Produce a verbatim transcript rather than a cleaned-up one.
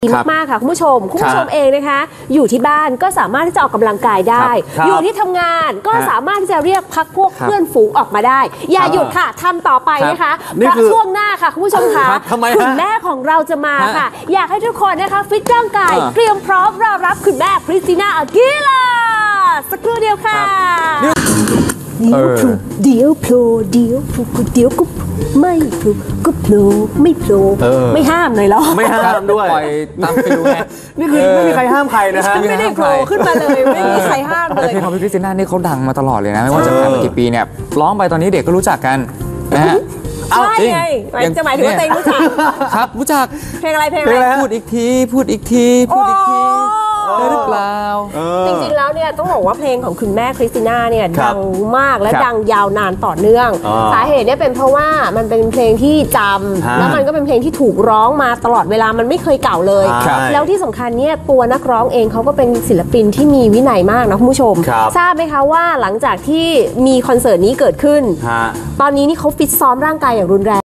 ดีมากๆค่ะคุณผู้ชมคุณผู้ชมเองนะคะอยู่ที่บ้านก็สามารถที่จะออกกำลังกายได้อยู่ที่ทำงานก็สามารถที่จะเรียกพักพวกเพื่อนฝูงออกมาได้อย่าหยุดค่ะทำต่อไปนะคะเพราะช่วงหน้าค่ะคุณผู้ชมค่ะคุณแม่ของเราจะมาค่ะอยากให้ทุกคนนะคะฟิตร่างกายเตรียมพร้อมรอรับคุณแม่คริสติน่าอากีล่าสักครู่เดียวค่ะเดี๋ยวพลุเดี๋ยวโผล่เดี๋ยวพลุเดี๋ยวก็ไม่พลุก็โผล่ไม่โผล่ไม่ห้ามเลยหรอไม่ห้ามด้วยปล่อยตามไปดูไงนี่คือไม่มีใครห้ามใครนะฮะไม่ได้โผล่ขึ้นมาเลยไม่มีใครห้ามเลยเพลงของพี่คริสติน่านี่เขาดังมาตลอดเลยนะไม่ว่าจะผ่านมากี่ปีเนี่ยร้องไปตอนนี้เด็กก็รู้จักกันนะฮะใช่ไงจะหมายถึงว่าเต็งรู้จักครับรู้จักเพลงอะไรเพลงอะไรพูดอีกทีพูดอีกทีพูดอีกทีได้หรือเปล่าจริงๆแล้วเนี่ยต้องบอกว่าเพลงของคุณแม่คริสติน่าเนี่ยดังมากและดังยาวนานต่อเนื่องสาเหตุเนี่ยเป็นเพราะว่ามันเป็นเพลงที่จำแล้วมันก็เป็นเพลงที่ถูกร้องมาตลอดเวลามันไม่เคยเก่าเลยแล้วที่สำคัญเนี่ยตัวนักร้องเองเขาก็เป็นศิลปินที่มีวินัยมากนะคุณผู้ชมทราบไหมคะว่าหลังจากที่มีคอนเสิร์ตนี้เกิดขึ้นตอนนี้นี่เขาฟิตซ้อมร่างกายอย่างรุนแรง